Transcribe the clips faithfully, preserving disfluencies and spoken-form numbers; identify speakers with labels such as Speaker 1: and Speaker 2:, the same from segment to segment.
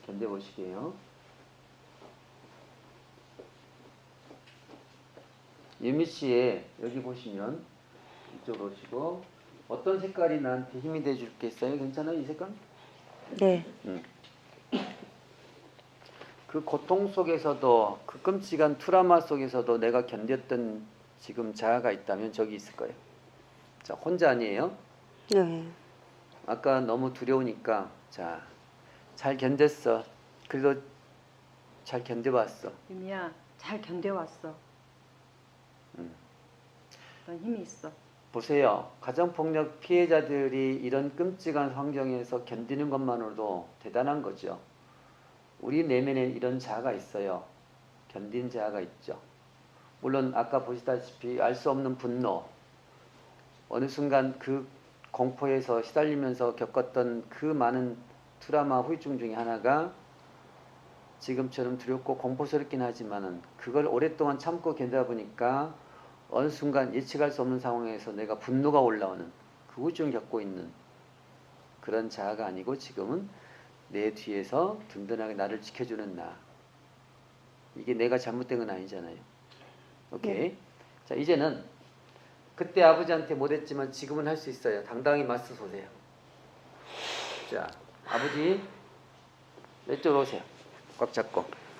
Speaker 1: 견뎌보시게요. 유미씨의 여기 보시면 이쪽으로 오시고 어떤 색깔이 나한테 힘이 돼줄겠어요? 괜찮아요? 이 색깔?
Speaker 2: 네.
Speaker 1: 음. 그 고통 속에서도 그 끔찍한 트라우마 속에서도 내가 견뎠던 지금 자아가 있다면 저기 있을 거예요. 자, 혼자 아니에요?
Speaker 2: 네.
Speaker 1: 아까 너무 두려우니까 자, 잘 견뎠어. 그래도 잘 견뎌봤어.
Speaker 3: 유미야, 잘 견뎌왔어.
Speaker 1: 음.
Speaker 3: 넌 힘이 있어.
Speaker 1: 보세요. 가정폭력 피해자들이 이런 끔찍한 환경에서 견디는 것만으로도 대단한 거죠. 우리 내면에 이런 자아가 있어요. 견딘 자아가 있죠. 물론 아까 보시다시피 알 수 없는 분노, 어느 순간 그 공포에서 시달리면서 겪었던 그 많은 트라우마 후유증 중에 하나가 지금처럼 두렵고 공포스럽긴 하지만은 그걸 오랫동안 참고 견디다 보니까 어느 순간 예측할 수 없는 상황에서 내가 분노가 올라오는 그 후유증을 겪고 있는 그런 자아가 아니고 지금은 내 뒤에서 든든하게 나를 지켜주는 나. 이게 내가 잘못된 건 아니잖아요. 오케이.
Speaker 2: 네.
Speaker 1: 자, 이제는 그때 아버지한테 못했지만 지금은 할 수 있어요. 당당히 맞서 보세요. 자, 아버지 이쪽으로 오세요. 꽉 잡고.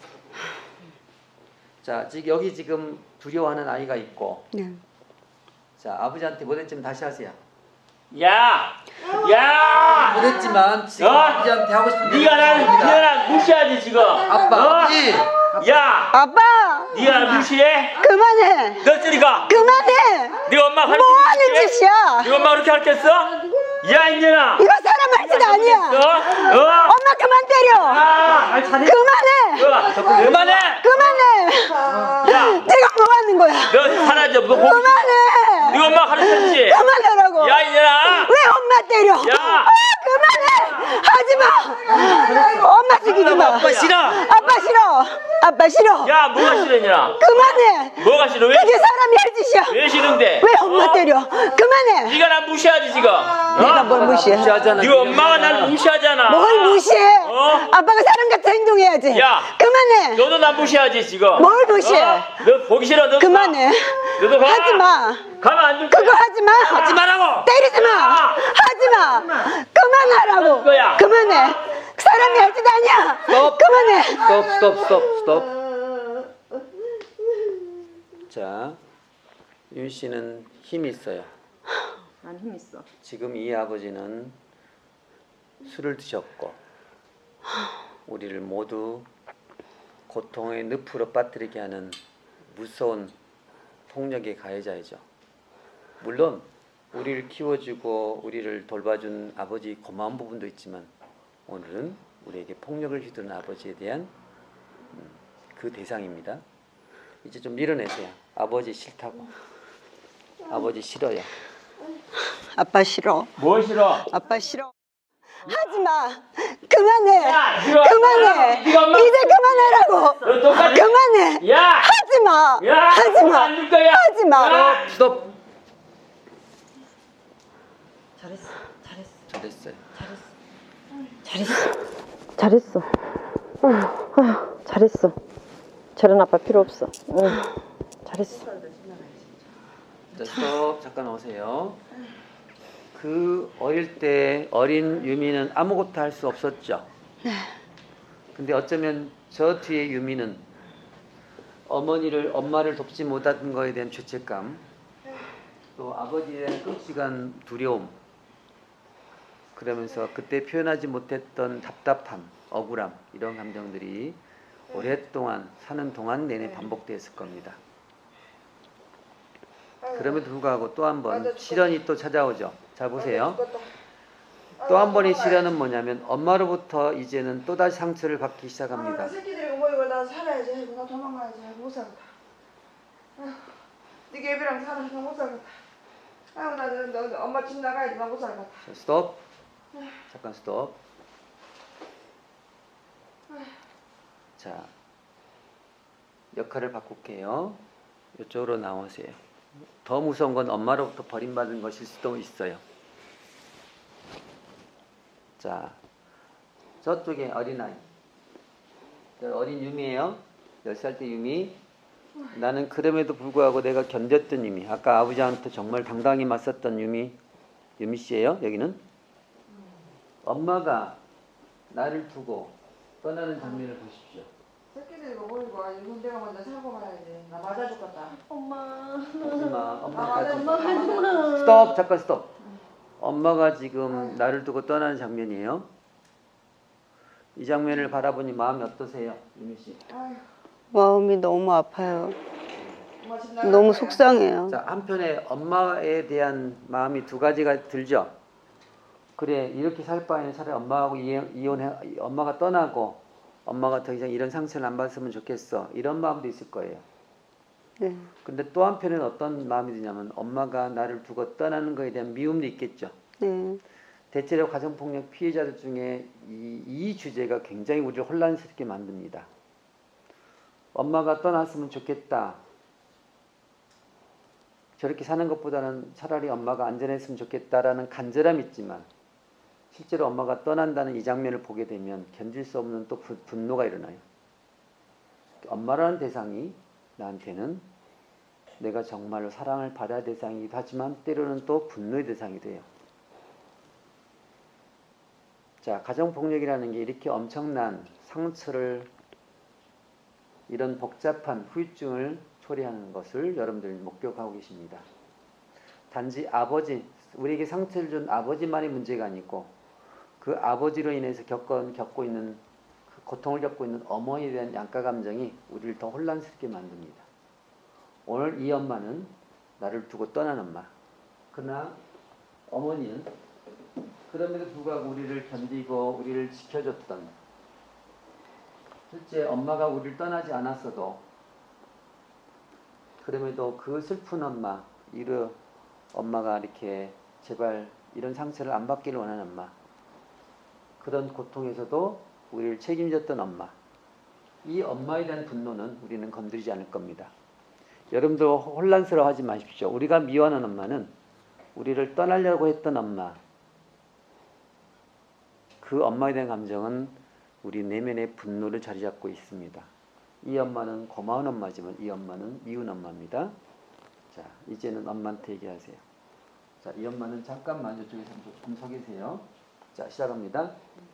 Speaker 1: 자, 지금 여기 지금 두려워하는 아이가 있고.
Speaker 2: 네.
Speaker 1: 자, 아버지한테 못했지만 다시 하세요.
Speaker 4: 야! 야!
Speaker 1: 못했지만 지금
Speaker 4: 어?
Speaker 1: 아버지한테 하고 싶은 대로
Speaker 4: 네가 나를
Speaker 1: 합니다.
Speaker 4: 네가 나 무시하지 지금.
Speaker 1: 아빠,
Speaker 4: 어?
Speaker 1: 아버지.
Speaker 4: 야!
Speaker 2: 아빠!
Speaker 4: 네가 나 무시해?
Speaker 2: 그만해!
Speaker 4: 너 저리 가.
Speaker 2: 그만해!
Speaker 4: 네 엄마 할
Speaker 2: 뭐 하는 짓이야?
Speaker 4: 네 엄마 그렇게 할겠어? 야 인연아.
Speaker 2: 이거 사람 할 짓 아니야!
Speaker 4: 어? 어?
Speaker 2: 엄마 그만 때려!
Speaker 4: 아, 잘해.
Speaker 2: 그만해!
Speaker 4: 어, 그만해.
Speaker 2: 그만해!
Speaker 4: 야,
Speaker 2: 내가 뭐 하는 거야?
Speaker 4: 너 사라져. 너 보기.
Speaker 2: 그만해!
Speaker 4: 네 엄마 가르쳤지.
Speaker 2: 그만하라고!
Speaker 4: 야 인연아.
Speaker 2: 왜 엄마 때려?
Speaker 4: 야.
Speaker 2: 아, 그만해! 하지 마! 엄마 죽이지 마!
Speaker 4: 아빠 싫어.
Speaker 2: 아빠 싫어! 아빠 싫어!
Speaker 4: 야 뭐가 싫어 인연아?
Speaker 2: 그만해!
Speaker 4: 뭐가 싫어? 왜?
Speaker 2: 그게 사람이 할 짓이야!
Speaker 4: 왜 싫은데?
Speaker 2: 왜 엄마
Speaker 4: 어?
Speaker 2: 때려? 그만해!
Speaker 4: 네가 나 무시하지 지금.
Speaker 2: 내가
Speaker 4: 어?
Speaker 2: 뭘 무시해?
Speaker 1: 무시하잖아.
Speaker 4: 네 엄마가 날 무시하잖아.
Speaker 2: 뭘 무시해?
Speaker 4: 어?
Speaker 2: 아빠가 사람같이 행동해야지.
Speaker 4: 야.
Speaker 2: 그만해.
Speaker 4: 너도 나 무시하지 지금.
Speaker 2: 뭘 무시해?
Speaker 4: 어? 너 보기 싫어. 너도
Speaker 2: 그만해.
Speaker 4: 가. 너도 가.
Speaker 2: 하지 마.
Speaker 4: 가면 안 줄 거야.
Speaker 2: 그거 하지 마.
Speaker 4: 하지 말라고.
Speaker 2: 때리지 마.
Speaker 4: 야.
Speaker 2: 하지 마. 그만하라고.
Speaker 4: 할 거야.
Speaker 2: 그만해. 사람이 할 짓 아니야.
Speaker 1: 스톱.
Speaker 2: 그만해.
Speaker 1: 스톱, 스톱, 스톱, 스톱. 자, 윤 씨는 힘이 있어요.
Speaker 3: 난 힘 있어.
Speaker 1: 지금 이 아버지는 술을 드셨고 우리를 모두 고통의 늪으로 빠뜨리게 하는 무서운 폭력의 가해자이죠. 물론 우리를 키워주고 우리를 돌봐준 아버지 고마운 부분도 있지만 오늘은 우리에게 폭력을 휘두른 아버지에 대한 음, 그 대상입니다. 이제 좀 밀어내세요. 아버지 싫다고. 아버지 싫어요.
Speaker 2: 아빠 싫어.
Speaker 4: 뭐 싫어?
Speaker 2: 아빠 싫어. 하지 마. 그만해.
Speaker 4: 야, 네가
Speaker 2: 그만해.
Speaker 4: 네가 엄마-
Speaker 2: 이제 그만하라고.
Speaker 4: 너 똑같이.
Speaker 2: 그만해.
Speaker 4: 야.
Speaker 2: 하지 마.
Speaker 4: 야.
Speaker 2: 하지 마.
Speaker 4: 안 줄 거야.
Speaker 2: 하지 마.
Speaker 4: 야.
Speaker 1: 스톱.
Speaker 3: 잘했어. 잘했어.
Speaker 1: 잘했어요.
Speaker 3: 잘했어. 잘했어. 아휴, 아휴, 잘했어. 저런 아빠 필요 없어. 응. 잘했어.
Speaker 1: 자, 스톱. 잠깐 오세요. 그 어릴 때 어린 유미는 아무것도 할 수 없었죠. 근데 어쩌면 저 뒤에 유미는 어머니를 엄마를 돕지 못한 거에 대한 죄책감, 또 아버지에 대한 끔찍한 두려움, 그러면서 그때 표현하지 못했던 답답함, 억울함 이런 감정들이 오랫동안 사는 동안 내내 반복되었을 겁니다. 그럼에도 불구하고 또 한 번 시련이 또 찾아오죠. 자 보세요. 또 한 번의 시련은 뭐냐면 엄마로부터 이제는 또다시 상처를 받기 시작합니다.
Speaker 5: 아, 새끼들이고 뭐이고 나 살아야지. 아이고, 나 도망가야지. 아이고, 못 살겠다. 아휴, 네 애비랑 살아. 나 못 살겠다. 아이고 나 너, 너, 엄마 집 나가야지. 나 못 살겠다.
Speaker 1: 자, 스톱. 잠깐 스톱. 자, 역할을 바꿀게요. 이쪽으로 나오세요. 더 무서운 건 엄마로부터 버림받은 것일 수도 있어요. 자, 저쪽에 어린아이. 자, 어린 유미예요. 열 살 때 유미. 나는 그럼에도 불구하고 내가 견뎠던 유미. 아까 아버지한테 정말 당당히 맞섰던 유미. 유미 씨예요. 여기는. 엄마가 나를 두고 떠나는 장면을 보십시오.
Speaker 5: 새끼들 이거 보이고 아니 이건 내가 먼저 사고 말아야지. 나 맞아 죽겠다.
Speaker 2: 엄마.
Speaker 1: 하지마.
Speaker 5: 나
Speaker 1: 엄마가
Speaker 5: 맞아
Speaker 1: 지금
Speaker 5: 죽겠다. 맞아.
Speaker 1: 스톱. 잠깐 스톱. 엄마가 지금 나를 두고 떠나는 장면이에요. 이 장면을 바라보니 마음이 어떠세요, 유미 씨?
Speaker 5: 아휴,
Speaker 2: 마음이 너무 아파요.
Speaker 5: 엄마 집 나갈
Speaker 2: 너무
Speaker 5: 거야.
Speaker 2: 속상해요.
Speaker 1: 자, 한편에 엄마에 대한 마음이 두 가지가 들죠. 그래, 이렇게 살 바에는 차라리 엄마하고 이혼- 이혼해, 엄마가 떠나고 엄마가 더 이상 이런 상처를 안 받았으면 좋겠어. 이런 마음도 있을 거예요.
Speaker 2: 네.
Speaker 1: 근데 또 한편에는 어떤 마음이 드냐면 엄마가 나를 두고 떠나는 거에 대한 미움도 있겠죠.
Speaker 2: 네.
Speaker 1: 대체로 가정폭력 피해자들 중에 이, 이 주제가 굉장히 우리를 혼란스럽게 만듭니다. 엄마가 떠났으면 좋겠다. 저렇게 사는 것보다는 차라리 엄마가 안전했으면 좋겠다라는 간절함이 있지만 실제로 엄마가 떠난다는 이 장면을 보게 되면 견딜 수 없는 또 분- 분노가 일어나요. 엄마라는 대상이 나한테는 내가 정말로 사랑을 받아야 할 대상이기도 하지만 때로는 또 분노의 대상이 돼요. 자, 가정폭력이라는 게 이렇게 엄청난 상처를 이런 복잡한 후유증을 초래하는 것을 여러분들 목격하고 계십니다. 단지 아버지, 우리에게 상처를 준 아버지만의 문제가 아니고 그 아버지로 인해서 겪은, 겪고 있는 그 고통을 겪고 있는 어머니에 대한 양가 감정이 우리를 더 혼란스럽게 만듭니다. 오늘 이 엄마는 나를 두고 떠난 엄마. 그러나 어머니는 그럼에도 불구하고 우리를 견디고 우리를 지켜줬던, 실제 엄마가 우리를 떠나지 않았어도 그럼에도 그 슬픈 엄마, 이르 엄마가 이렇게 제발 이런 상처를 안 받기를 원하는 엄마, 그런 고통에서도 우리를 책임졌던 엄마, 이 엄마에 대한 분노는 우리는 건드리지 않을 겁니다. 여러분도 혼란스러워하지 마십시오. 우리가 미워하는 엄마는 우리를 떠나려고 했던 엄마, 그 엄마에 대한 감정은 우리 내면의 분노를 자리 잡고 있습니다. 이 엄마는 고마운 엄마지만 이 엄마는 미운 엄마입니다. 자, 이제는 엄마한테 얘기하세요. 자, 이 엄마는 잠깐만 이쪽에서 좀 서 계세요. 자, 시작합니다.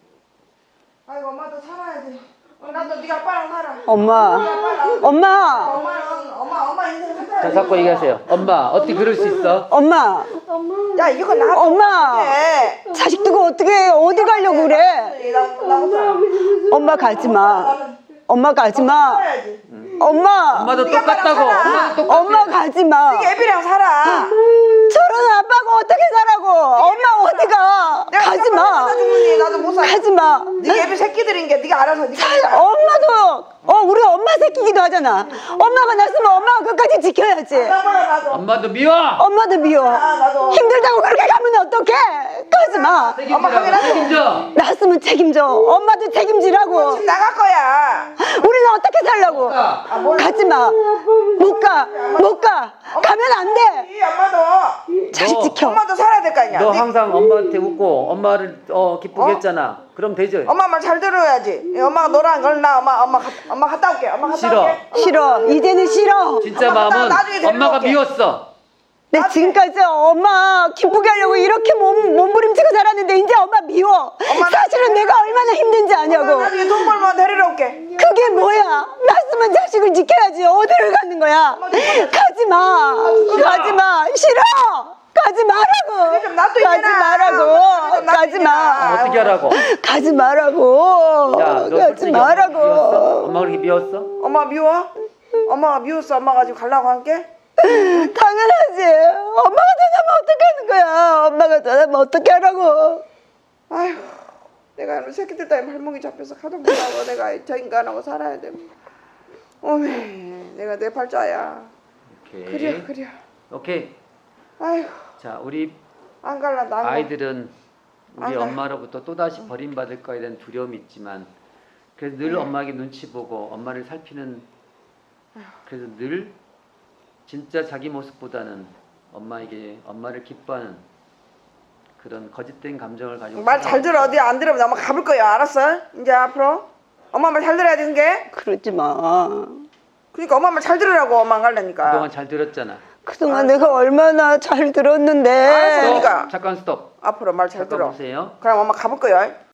Speaker 5: 아이고 엄마도 살아야지. 어, 나도 네가 아빠랑 살아.
Speaker 2: 엄마.
Speaker 5: 네가 아빠랑.
Speaker 2: 엄마.
Speaker 5: 엄마는 엄마 엄마 인생
Speaker 1: 자,
Speaker 5: 살아야지.
Speaker 1: 자꾸 얘기하세요. 엄마, 어떻게 그럴 수 있어?
Speaker 2: 엄마.
Speaker 5: 야 이거 나.
Speaker 2: 엄마.
Speaker 5: 해.
Speaker 2: 자식 두고 어떻게 어디 가려고 그래?
Speaker 5: 나못 살아.
Speaker 2: 엄마 가지 마. 엄마 가지 마.
Speaker 5: 살아야지.
Speaker 2: 엄마.
Speaker 1: 엄마도
Speaker 5: 네가
Speaker 1: 똑같다고.
Speaker 5: 아빠랑 살아.
Speaker 1: 엄마도 똑같아.
Speaker 2: 엄마 가지 마.
Speaker 5: 네가 애비랑 살아.
Speaker 2: 저런 아빠가 어떻게 살라고? 엄마 어디 가?
Speaker 5: 내가
Speaker 2: 가지 마.
Speaker 5: 나 죽으니 나도 못 살아.
Speaker 2: 가지 마.
Speaker 5: 네가 애비 새끼들인 게 네가 알아서 네가 살아.
Speaker 2: 엄마도 어 우리 엄마 새끼기도 하잖아. 엄마가 났으면 엄마가 끝까지 지켜야지.
Speaker 5: 나봐라 나도.
Speaker 1: 엄마도 미워.
Speaker 2: 엄마도 미워.
Speaker 5: 아 나도.
Speaker 2: 힘들다고 그렇게 가면 어떡해? 가지 마.
Speaker 5: 엄마
Speaker 1: 책임지라고.
Speaker 5: 확인하고.
Speaker 1: 책임져.
Speaker 2: 났으면 책임져. 엄마도 책임지라고.
Speaker 5: 집 나갈 거야.
Speaker 2: 우리는 어떻게 살라고?
Speaker 1: 가.
Speaker 5: 아, 몰라.
Speaker 2: 가지 마. 못 가. 못 가. 가면 안 돼.
Speaker 5: 이 엄마도
Speaker 2: 자식
Speaker 1: 너-
Speaker 2: 지켜.
Speaker 5: 엄마도 살아야 될 거 아니야.
Speaker 1: 너
Speaker 5: 네-
Speaker 1: 항상 엄마한테 웃고 엄마를 어, 기쁘게 했잖아. 그럼 되죠?
Speaker 5: 엄마 말 잘 들어야지. 이 엄마가 너랑 걸나 엄마 엄마 가, 엄마 갔다 올게. 엄마 갔다
Speaker 1: 싫어.
Speaker 5: 올게.
Speaker 2: 싫어. 이제는 싫어.
Speaker 1: 진짜
Speaker 5: 엄마, 나-
Speaker 1: 마음은
Speaker 5: 나중에 데리러
Speaker 1: 엄마가
Speaker 5: 올게.
Speaker 1: 미웠어.
Speaker 2: 내 지금까지 엄마 기쁘게 하려고 이렇게 몸, 몸부림치고 살았는데 이제 엄마 미워.
Speaker 5: 엄마,
Speaker 2: 사실은 내가 얼마나 힘든지
Speaker 5: 엄마
Speaker 2: 아냐고.
Speaker 5: 나중에 돈 벌면 데리러 올게.
Speaker 2: 그게 뭐야? 낳았으면 자식을 지켜야지. 어디를 가는 거야? 가지 마. 가지 마. 싫어. 가지 말라고.
Speaker 5: 좀 놔둬,
Speaker 2: 가지
Speaker 5: 이제나.
Speaker 2: 말라고.
Speaker 5: 좀 놔둬,
Speaker 2: 가지 마.
Speaker 1: 어떻게 하라고?
Speaker 2: 가지 말라고.
Speaker 1: 야, 너
Speaker 2: 가지
Speaker 1: 솔직히 엄마 미웠어?
Speaker 2: 말라고.
Speaker 1: 엄마 그렇게 미웠어?
Speaker 5: 엄마 미워? 엄마가 미웠어. 엄마가 지금 가려고 할게.
Speaker 2: 당연하지. 엄마가 떠나면 어떻게 하는 거야? 엄마가 떠나면 어떻게 하라고?
Speaker 5: 아휴, 내가 이런 새끼들 때문에 발목이 잡혀서 가정 못하고 내가 저 인간하고 살아야 돼. 어메, 내가 내 팔자야.
Speaker 1: 오케이.
Speaker 5: 그래, 그래.
Speaker 1: 오케이.
Speaker 5: 아휴,
Speaker 1: 자, 우리
Speaker 5: 안 갈라 나.
Speaker 1: 아이들은 우리
Speaker 5: 안 가.
Speaker 1: 엄마로부터 또다시 버림받을 거에 대한 두려움이 있지만 그래서 늘 엄마에게 눈치 보고 엄마를 살피는, 그래서 늘 진짜 자기 모습보다는 엄마에게 엄마를 기뻐하는 그런 거짓된 감정을 가지고
Speaker 5: 말 잘 들어. 어디 안 들으면 엄마 가볼 거야. 알았어? 이제 앞으로 엄마 말 잘 들어야 되는 게.
Speaker 2: 그러지 마.
Speaker 5: 그러니까 엄마 말 잘 들으라고 엄마 안 갈라니까.
Speaker 1: 그동안 잘 들었잖아.
Speaker 2: 그동안 내가 얼마나 잘 들었는데.
Speaker 5: 알았어. 그러니까.
Speaker 1: 잠깐 스톱.
Speaker 5: 앞으로 말 잘
Speaker 1: 잠깐
Speaker 5: 들어.
Speaker 1: 보세요.
Speaker 5: 그럼 엄마 가볼 거야.